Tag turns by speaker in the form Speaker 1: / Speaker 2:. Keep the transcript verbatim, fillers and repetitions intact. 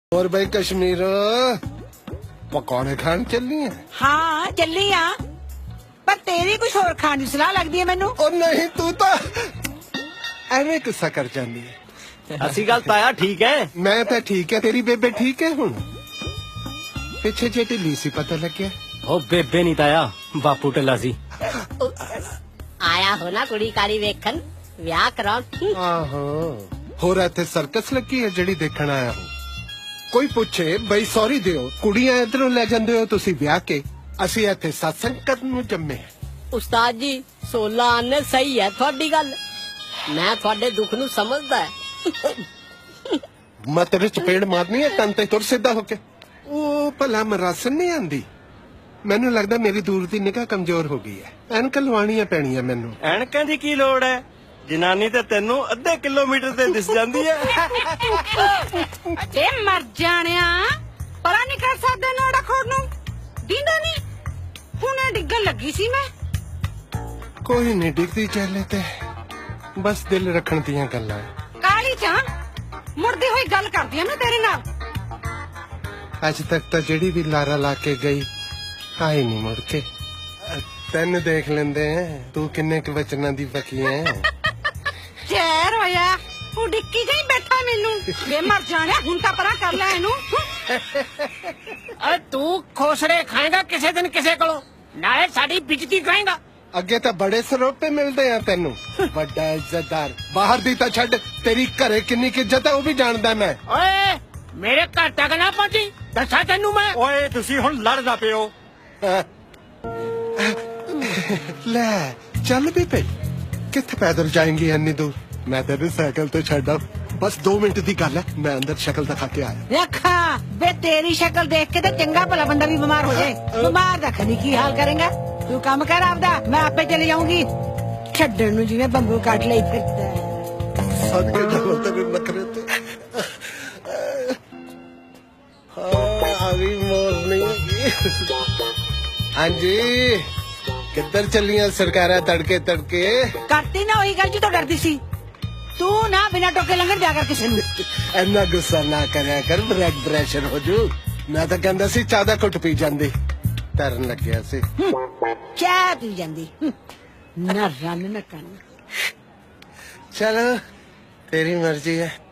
Speaker 1: और भाई कश्मीर पकौड़े खान चलनी है?
Speaker 2: हाँ चली आ, पर तेरी कुछ और खाने की सलाह लगती है मैनू।
Speaker 1: और नहीं तू तो एवें गुस्सा कर जानी है।
Speaker 3: असली गल ताया ठीक है।
Speaker 1: मैं तो ठीक है, तेरी बेबे ठीक है हुण? पिछे जे ढिली सी पता लग गया।
Speaker 3: ओ बेबे नहीं ताया, बापू ढिला सी।
Speaker 4: आया हो ना कुड़ी कारी वेखन विआह कराउण।
Speaker 1: आहो होर इत्थे सर्कस लगी है ਜਿਹੜੀ ਦੇਖਣ ਆਇਆ हूं। कोई पूछे बई सॉरी दियो, कुड़ियां इधरों ले जांदे हो तुसी ब्याह के, ਅਸੀਂ ਇੱਥੇ सत्संग करन ਨੂੰ जम्मे।
Speaker 4: उस्ताद जी सोलह आने सही है थोड़ी गल, मैं थोड़े दुख नु समझदा है।
Speaker 1: मैं तेरे चपेड़ मारनी है तन ते तुर सीधा होके। ओ भला मरासन नहीं आंदी? मैनू लगदा मेरी दूर दी निगाह कमजोर हो गई है, ਐਨਕਾਂ ਲਵਾਣੀਆਂ ਪੈਣੀਆਂ ਮੈਨੂੰ।
Speaker 3: ਐਨਕਾਂ ਦੀ ਕੀ ਲੋੜ ਹੈ, ਜਨਾਨੀ ਤੇ ਤੈਨੂੰ ਅੱਧੇ ਕਿਲੋਮੀਟਰ ਤੇ ਦਿਸ ਜਾਂਦੀ ਹੈ।
Speaker 2: अरे मर जानिया परा नहीं कर सकदा नोड़ा खोड़ नू दींदा नहीं, हुणे डिग्गन लगी सी मैं।
Speaker 1: कोई नहीं डिगदी चले ते बस दिल रखण दियां गल्लां।
Speaker 2: काली चा मुड़दी हुई गल करदी मैं तेरे नाल।
Speaker 1: अज तक तो जेड़ी भी लारा ला के गई आई नहीं मुड़ के। तेन देख लेंदे तू किन्ने क वचनां दी बकी है।
Speaker 2: ਜ਼ਹਿਰ ਹੋਇਆ ਤੂੰ ਡਿੱਕੀ ਜਾਈ ਬੈਠਾ ਮੈਨੂੰ। ਵੇ ਮਰ ਜਾਣਿਆ ਹੁਣ ਤਾਂ ਪਰਾਂ ਕਰ ਲੈ ਇਹਨੂੰ।
Speaker 5: अरे तू खोसरे खाएगा किसी दिन किसी को, नाले साडी बेइज्जती कराएगा।
Speaker 1: ਅੱਗੇ ਤਾਂ ਬੜੇ ਸਰੋਪੇ ਮਿਲਦੇ ਆ ਤੈਨੂੰ, ਵੱਡਾ ਇੱਜ਼ਤਦਾਰ। ਬਾਹਰ ਦੀ ਤਾਂ ਛੱਡ, ਤੇਰੀ ਘਰੇ ਕਿੰਨੀ ਕੁ ਇੱਜ਼ਤ ਹੈ ਉਹ ਵੀ ਜਾਣਦਾ ਮੈਂ।
Speaker 5: ओए मेरे घर तक ना पहुंची दसा तेनू मैं।
Speaker 3: ਓਏ ਤੁਸੀਂ ਹੁਣ ਲੜਦਾ ਪਿਓ।
Speaker 1: ਲੈ ਚੱਲ ਵੀ ਪਈ, ਕਿੱਥੇ ਪੈਦਲ ਜਾਏਂਗੀ ਇੰਨੀ ਦੂਰ? ਮੈਂ ਤੈਨੂੰ ਸਾਈਕਲ ਤੇ ਛੱਡਾ, ਬਸ दो ਮਿੰਟ ਦੀ ਗੱਲ ਹੈ। ਮੈਂ ਅੰਦਰ ਸ਼ਕਲ ਦਿਖਾ ਕੇ ਆਇਆ।
Speaker 2: ਦੇਖਾ ਵੇ ਤੇਰੀ ਸ਼ਕਲ ਦੇਖ ਕੇ ਤਾਂ ਚੰਗਾ ਭਲਾ ਬੰਦਾ ਵੀ ਬਿਮਾਰ ਹੋ ਜਾਏ। ਬਿਮਾਰ ਦਾ ਖਨੀ ਕੀ ਹਾਲ ਕਰੇਗਾ? ਤੂੰ ਕੰਮ ਕਰ ਆਪਦਾ, ਮੈਂ ਆਪੇ ਚਲੇ ਜਾਊਂਗੀ। ਛੱਡਣ ਨੂੰ ਜਿਵੇਂ ਬੰਬੂ ਕੱਟ ਲਈ ਫਿਰਦਾ।
Speaker 1: ਸਦਕੇ ਜਾਵਾਂ ਤੇਰੇ ਨਖਰੇ ਤੇ। ਹਾਂ ਆ ਗਈ ਮੋਰਨੀ। ਹਾਂਜੀ ਕਿੱਧਰ ਚੱਲੀਆਂ ਸਰਕਾਰਾਂ ਤੜਕੇ ਤੜਕੇ?
Speaker 2: ਕਰਤੀ ਨਾ ਉਹੀ ਗੱਲ ਜੀ ਤੋਂ ਡਰਦੀ ਸੀ ਤੂੰ ਨਾ ਬਿਨਾਂ ਟੋਕੇ ਲੰਘਣ ਜਾ ਕਰ ਕਿਸੇ ਨੂੰ।
Speaker 1: ਇੰਨਾ ਗੁੱਸਾ ਨਾ ਕਰਿਆ ਕਰ, ਬਲੱਡ ਪ੍ਰੈਸ਼ਰ ਹੋ ਜੂ। ਮੈਂ ਤਾਂ ਕਹਿੰਦਾ ਸੀ ਚਾਹ ਦਾ ਘੁੱਟ ਪੀ ਜਾਂਦੀ, ਤਰਨ ਲੱਗਿਆ ਸੀ।
Speaker 2: ਚਾਹ ਪੀ ਜਾਂਦੀ ਨਾ ਰੰਨ ਨਾ ਕੰਨ।
Speaker 1: ਚਲੋ ਤੇਰੀ ਮਰਜ਼ੀ ਹੈ।